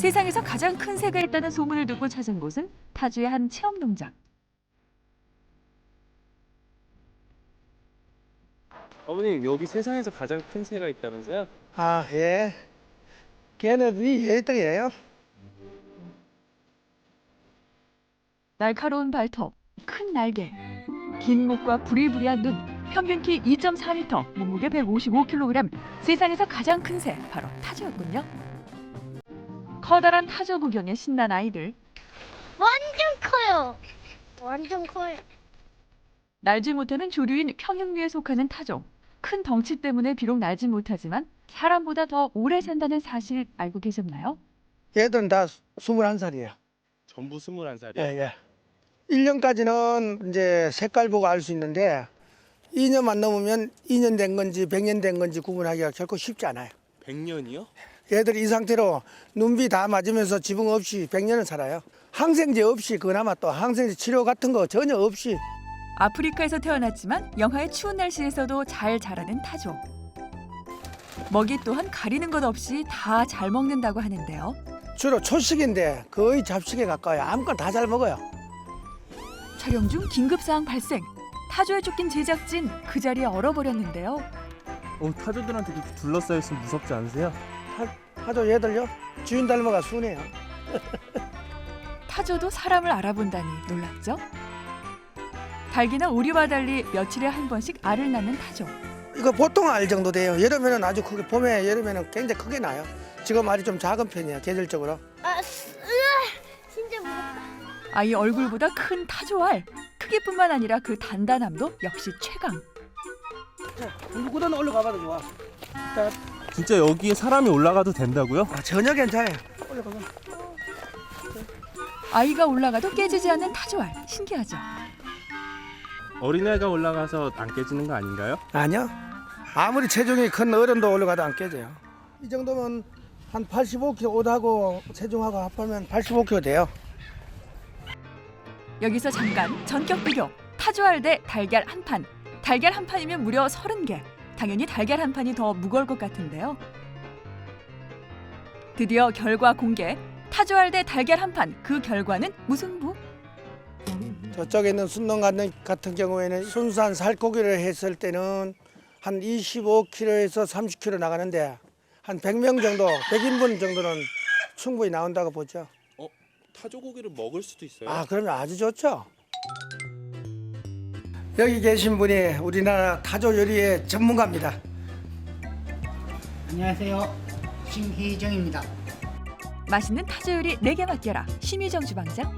세상에서 가장 큰 새가 있다는 소문을 듣고 찾은 곳은 타주의 한 체험 농장. 어머님, 여기 세상에서 가장 큰 새가 있다면서요? 아, 예. 걔네들이 예떡이에요. 날카로운 발톱, 큰 날개, 긴 목과 부리부리한 눈, 평균 키 2.4m, 몸무게 155kg, 세상에서 가장 큰 새, 바로 타조였군요. 커다란 타조 구경에 신난 아이들. 완전 커요. 완전 커요. 날지 못하는 조류인 평형류에 속하는 타조. 큰 덩치 때문에 비록 날지 못하지만 사람보다 더 오래 산다는 사실 알고 계셨나요? 얘들은 다 21살이에요. 전부 21살이요? 예, 예. 1년까지는 이제 색깔 보고 알 수 있는데 2년만 넘으면 2년 된 건지 100년 된 건지 구분하기가 결코 쉽지 않아요. 100년이요? 얘들이 이 상태로 눈비 다 맞으면서 지붕 없이 100년을 살아요. 항생제 없이 그나마 또 항생제 치료 같은 거 전혀 없이. 아프리카에서 태어났지만 영하의 추운 날씨에서도 잘 자라는 타조. 먹이 또한 가리는 것 없이 다 잘 먹는다고 하는데요. 주로 초식인데 거의 잡식에 가까워요. 아무거나 다 잘 먹어요. 촬영 중 긴급사항 발생. 타조에 쫓긴 제작진 그 자리에 얼어버렸는데요. 타조들한테 이렇게 둘러싸여 있으면 무섭지 않으세요? 하죠 얘들요. 주인 닮아가 순해요. 타조도 사람을 알아본다니 놀랍죠? 닭이나 오리와 달리 며칠에 한 번씩 알을 낳는 타조. 이거 보통 알 정도 돼요. 여름에는 아주 크게, 봄에 여름에는 굉장히 크게 나요. 지금 알이 좀 작은 편이에요. 계절적으로. 진짜 무섭다. 아이 얼굴보다 큰 타조 알. 크기뿐만 아니라 그 단단함도 역시 최강. 물구덩이 올라가봐도 좋아. 자, 진짜 여기에 사람이 올라가도 된다고요? 전혀 괜찮아요. 올라가봐. 아이가 올라가도 깨지지 않는 타조 알. 신기하죠? 어린애가 올라가서 안 깨지는 거 아닌가요? 아니요. 아무리 체중이 큰 어른도 올라가도 안 깨져요. 이 정도면 한 85kg 옷하고 체중하고 합하면 85kg 돼요. 여기서 잠깐 전격 비교. 타조 알 대 달걀 한 판. 달걀 한 판이면 무려 30개. 당연히 달걀 한 판이 더 무거울 것 같은데요. 드디어 결과 공개. 타조 알 대 달걀 한 판. 그 결과는 무승부? 저쪽에 있는 순농 같은 경우에는 순수한 살코기를 했을 때는 한 25kg에서 30kg 나가는데 한 100명 정도, 100인분 정도는 충분히 나온다고 보죠. 타조 고기를 먹을 수도 있어요? 아, 그러면 아주 좋죠. 여기 계신 분이 우리나라 타조 요리의 전문가입니다. 안녕하세요. 심희정입니다. 맛있는 타조 요리 4개 맡겨라. 심희정 주방장.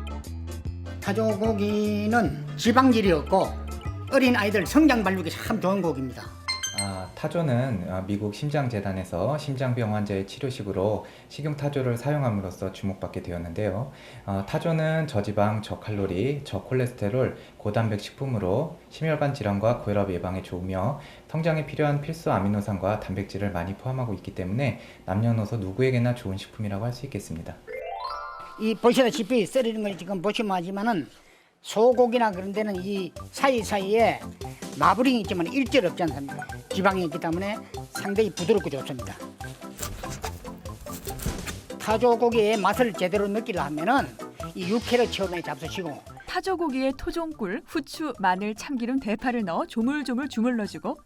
타조고기는 지방질이 없고 어린 아이들 성장 발육이 참 좋은 고기입니다. 타조는 미국 심장재단에서 심장병 환자의 치료식으로 식용타조를 사용함으로써 주목받게 되었는데요. 타조는 저지방, 저칼로리, 저콜레스테롤, 고단백 식품으로 심혈관 질환과 고혈압 예방에 좋으며 성장에 필요한 필수 아미노산과 단백질을 많이 포함하고 있기 때문에 남녀노소 누구에게나 좋은 식품이라고 할 수 있겠습니다. 이 보시다시피 썰리는 걸 지금 보시면 하지만은 소고기나 그런 데는 이 사이사이에 마블링이 있지만 일절 없지 않습니까? 지방이 있기 때문에 상당히 부드럽고 좋습니다. 타조고기의 맛을 제대로 느끼려 하면은 이 육회를 처음에 잡수시고 타조 고기에 토종꿀, 후추, 마늘, 참기름, 대파를 넣어 조물조물 주물러주고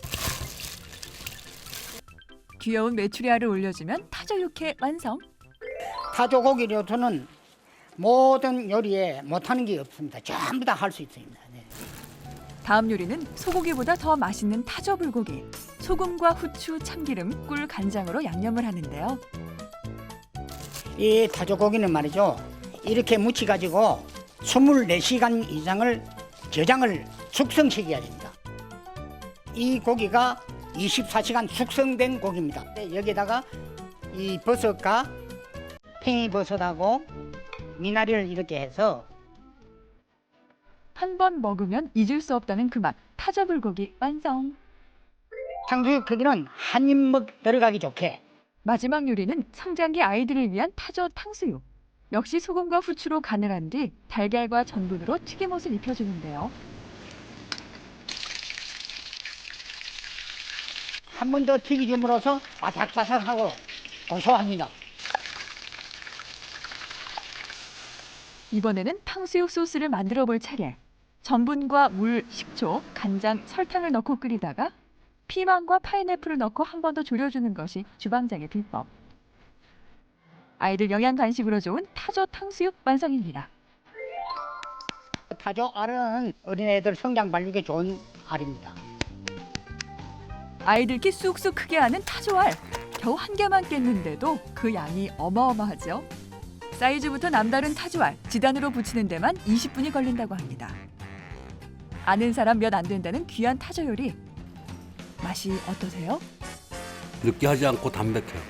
귀여운 메추리 알을 올려주면 타조 육회 완성. 타조고기로서는 모든 요리에 못하는 게 없습니다. 전부 다 할 수 있습니다. 네. 다음 요리는 소고기보다 더 맛있는 타조 불고기. 소금과 후추, 참기름, 꿀, 간장으로 양념을 하는데요. 이 타조고기는 말이죠. 이렇게 무쳐가지고 24시간 이상을 저장을 숙성시켜야 됩니다. 이 고기가 24시간 숙성된 고기입니다. 여기다가 이 버섯과 팽이버섯하고 미나리를 이렇게 해서 한 번 먹으면 잊을 수 없다는 그 맛. 타조 불고기 완성. 탕수육 크기는 한 입먹 들어가기 좋게. 마지막 요리는 성장기 아이들을 위한 타조 탕수육. 역시 소금과 후추로 간을 한 뒤 달걀과 전분으로 튀김옷을 입혀주는데요. 한 번 더 튀기줌으로써 바삭바삭하고 고소합니다. 이번에는 탕수육 소스를 만들어 볼 차례. 전분과 물, 식초, 간장, 설탕을 넣고 끓이다가 피망과 파인애플을 넣고 한 번 더 졸여주는 것이 주방장의 비법. 아이들 영양 간식으로 좋은 타조 탕수육 완성입니다. 타조 알은 어린애들 성장 발육에 좋은 알입니다. 아이들끼 쑥쑥 크게 하는 타조알. 겨우 한 개만 깼는데도 그 양이 어마어마하죠. 사이즈부터 남다른 타조알, 지단으로 붙이는 데만 20분이 걸린다고 합니다. 아는 사람 몇 안 된다는 귀한 타조 요리. 맛이 어떠세요? 느끼하지 않고 담백해요.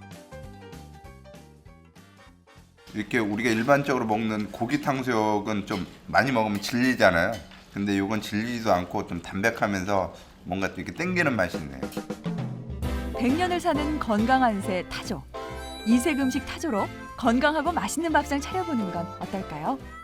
이렇게 우리가 일반적으로 먹는 고기 탕수육은 좀 많이 먹으면 질리잖아요. 근데 이건 질리지도 않고 좀 담백하면서 뭔가 또 이렇게 땡기는 맛이 있네요. 100년을 사는 건강한 새 타조. 이색 음식 타조로 건강하고 맛있는 밥상 차려보는 건 어떨까요?